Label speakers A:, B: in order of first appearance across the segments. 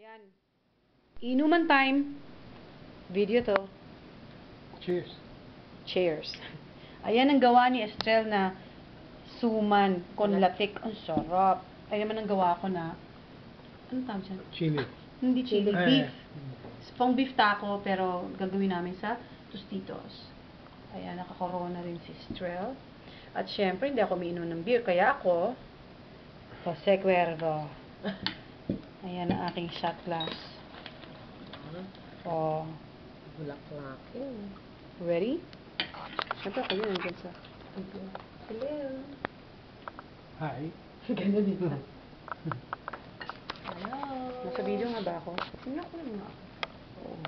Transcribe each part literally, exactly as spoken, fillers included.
A: Ayan. Inuman time. Video to.
B: Cheers.
A: Cheers. Ayan ang gawa ni Estrel na suman con latik. Ang sarap. Ayan naman ang gawa ko na ano tawag siya?
B: Chili.
A: Hindi chili.
B: Eh,
A: Beef. Pang beef taco pero gagawin namin sa Tostitos. Ayan, nakakorona rin si Estrel. At syempre, hindi ako umiinom ng beer. Kaya ako, Jose Cuervo. Ayan ang aking shot glass. Oh.
C: Bulaklakin.
A: Ready? Siyempre, kayo nandiyan sa...
C: Hello.
B: Hi.
A: Ganun din sa...
C: Hello.
A: Nasa video nga ba ako? Tingnan ko lang nga ako. Oo.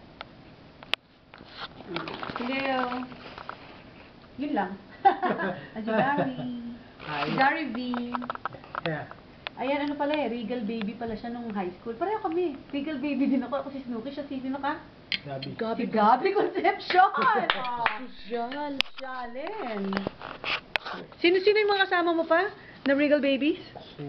A: Hello. Yun lang. At si Gary.
B: Hi.
A: Si Gary V.
B: Yeah.
A: Ayan, ano pala eh, Regal Baby pala siya nung high school. Pareho kami. Regal Baby din ako. Ako si Snooki. Siya si sino ka?
B: Gabi.
A: Si Gabi Concepcion! Oh,
C: Social.
A: Shalin. Sino-sino yung mga kasama mo pa na Regal Babies?
B: Si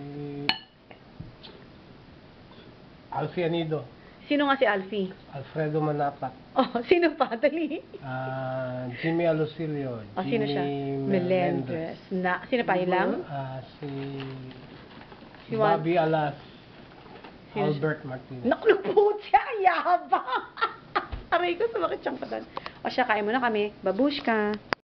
B: Alfie Anido.
A: Sino nga si Alfie?
B: Alfredo Manapat.
A: Oh, sino pa? Dali.
B: ah Jimmy Alusilio.
A: Oh, sino siya?
B: Jimmy
A: Melendres. Na, sino pa? Ilang?
B: Ah, si
A: Si Juan-
B: Bobby Alas.
A: Sino siya?
B: Albert Martinez.
A: Naku, siya, yabang! Aray ko, sumakit siyang patan. O siya, kain muna kami. Babushka.